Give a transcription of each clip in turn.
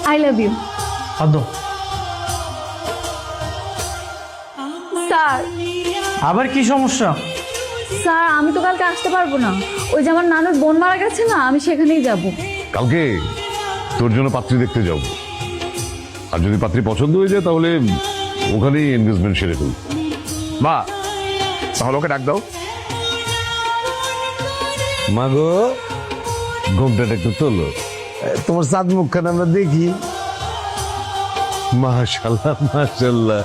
I love you. আদো sir আবার কি সমস্যা? স্যার আমি তো কালকে আসতে পারবো না, ওই যে আমার নানুর বোন মারা গেছে না, আমি সেখানেই যাব। কালকে তোর জন্য পাত্রী দেখতে যাব, আর যদি পাত্রী পছন্দ হয়ে যায় তাহলে ওখানেই এনগেজমেন্ট সেরে ফেলব। মা তাহলে ওকে ডাক দাও। মাগো, ঘুমটাটা একটু তোলো, তোমার চাঁদ মুখখান আমরা দেখি। মাশাল্লাহ মাশাল্লাহ,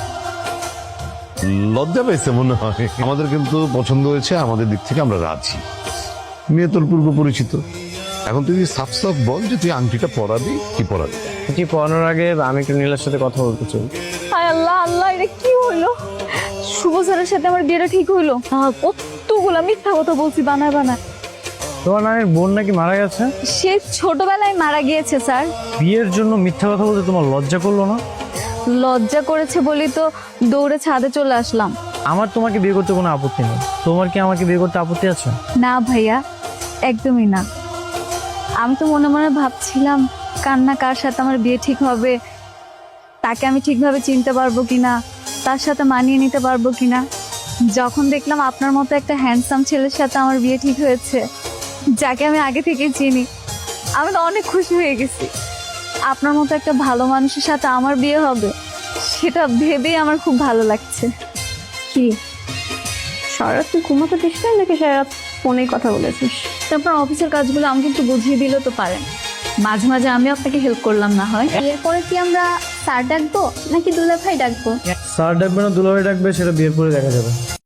লজ্জা পেয়েছে মনে হয়। আমাদের কিন্তু পছন্দ হয়েছে, আমাদের দিক থেকে আমরা রাজি। মেয়ে তোর পূর্ব পরিচিত, এখন তুই সাফ সাফ বল যে তুই আংটিটা পরাবি কি পরাবি। এটি পড়ানোর আগে আমি একটু নীলার সাথে কথা বলতে চাই। হায় আল্লাহ আল্লাহ, এটা কি হলো? শুভ স্যারের সাথে আমার বিয়েটা ঠিক হইলো? কতগুলা মিথ্যা কথা বলছি বানায় বানায়। তোমার নানির বোন নাকি মারা গেছে? সে ছোটবেলায় মারা গিয়েছে স্যার। বিয়ের জন্য মিথ্যা কথা বলতে তোমার লজ্জা করলো না? লজ্জা করেছে বলি তো দৌড়ে ছাদে চলে আসলাম। আমার তোমাকে বিয়ে করতে কোনো আপত্তি নেই, তোমার কি আমাকে বিয়ে করতে আপত্তি আছে? না ভাইয়া, একদমই না। আমি তো মনে মনে ভাবছিলাম কান্না কার সাথে আমার বিয়ে ঠিক হবে, তাকে আমি ঠিকভাবে চিনতে পারবো কিনা, তার সাথে মানিয়ে নিতে পারবো কিনা। যখন দেখলাম আপনার মতো একটা হ্যান্ডসাম ছেলের সাথে আমার বিয়ে ঠিক হয়েছে, যাকে আমি আগে থেকেই চিনি, আমি তো অনেক খুশি হয়ে গেছি। আপনার মতো একটা ভালো মানুষের সাথে আমার বিয়ে হবে, সেটা ভেবেই আমার খুব ভালো লাগছে। কি সারা রাত তুই ঘুমাতে দিস না নাকি সারা রাত ফোনেই কথা বলেছিস? তারপর অফিসের কাজগুলো আমাকে একটু বুঝিয়ে দিলে তো পারেন, মাঝে মাঝে আমি আপনাকে হেল্প করলাম না হয়। এরপরে কি আমরা স্যার ডাকবো নাকি দুলাভাই ডাকবো? স্যার ডাকবে না দুলাভাই ডাকবে সেটা বিয়ের পরে দেখা যাবে।